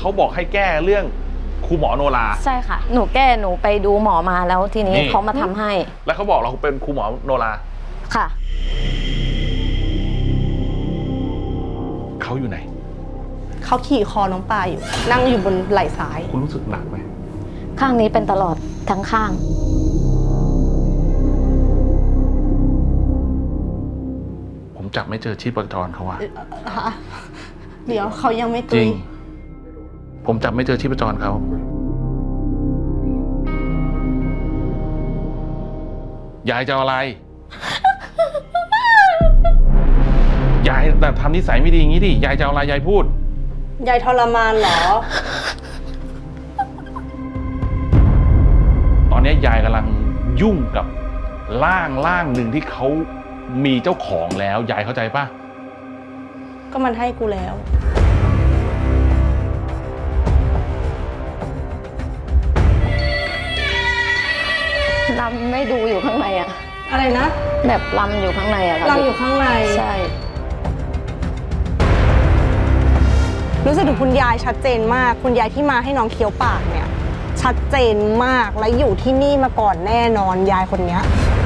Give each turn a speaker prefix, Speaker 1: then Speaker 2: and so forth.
Speaker 1: เขาบอกให้แก้เรื่องครูหมอโนรา
Speaker 2: ใช่ค่ะหนูไปดูหมอมาแล้วทีนี้เขามาทำให้
Speaker 1: แล้วเขาบอกเราเป็นครูหมอโนรา
Speaker 2: ค่ะ
Speaker 1: เขาอยู่ไหน
Speaker 3: เขาขี่คอน้องปลาอยู่นั่งอยู่บนไหล่ซ้าย
Speaker 1: คุณรู้สึกหนักไหม
Speaker 2: ข้างนี้เป็นตลอดทั้งข้าง
Speaker 1: ผมจับไม่เจอชีพจรเขาว่า
Speaker 3: เดี๋ยวเขายังไม่ตุย
Speaker 1: จริงผมจับไม่เจอชีพจรเขายายจะเอาอะไร ยายแต่ทำนิสัยไม่ดีอย่างนี้ดิยายจะเอาอะไรยายพูด
Speaker 3: ยายทรมานเหรอ
Speaker 1: ตอนนี้ยายกำลังยุ่งกับร่างหนึ่งที่เขามีเจ้าของแล้วยายเข้าใจป่ะ
Speaker 3: ก็มันให้กูแล้ว
Speaker 2: ลำไม่ดูอยู่ข้างในอะ
Speaker 3: อะไรนะ
Speaker 2: แบบลำอยู่ข้างในอะค่ะ
Speaker 3: ลำอยู่ข้างใน
Speaker 2: ใช่
Speaker 3: รู้สึกถึงคุณยายชัดเจนมากคุณยายที่มาให้น้องเคี้ยวปากเนี่ยชัดเจนมากและอยู่ที่นี่มาก่อนแน่นอนยายคนนี้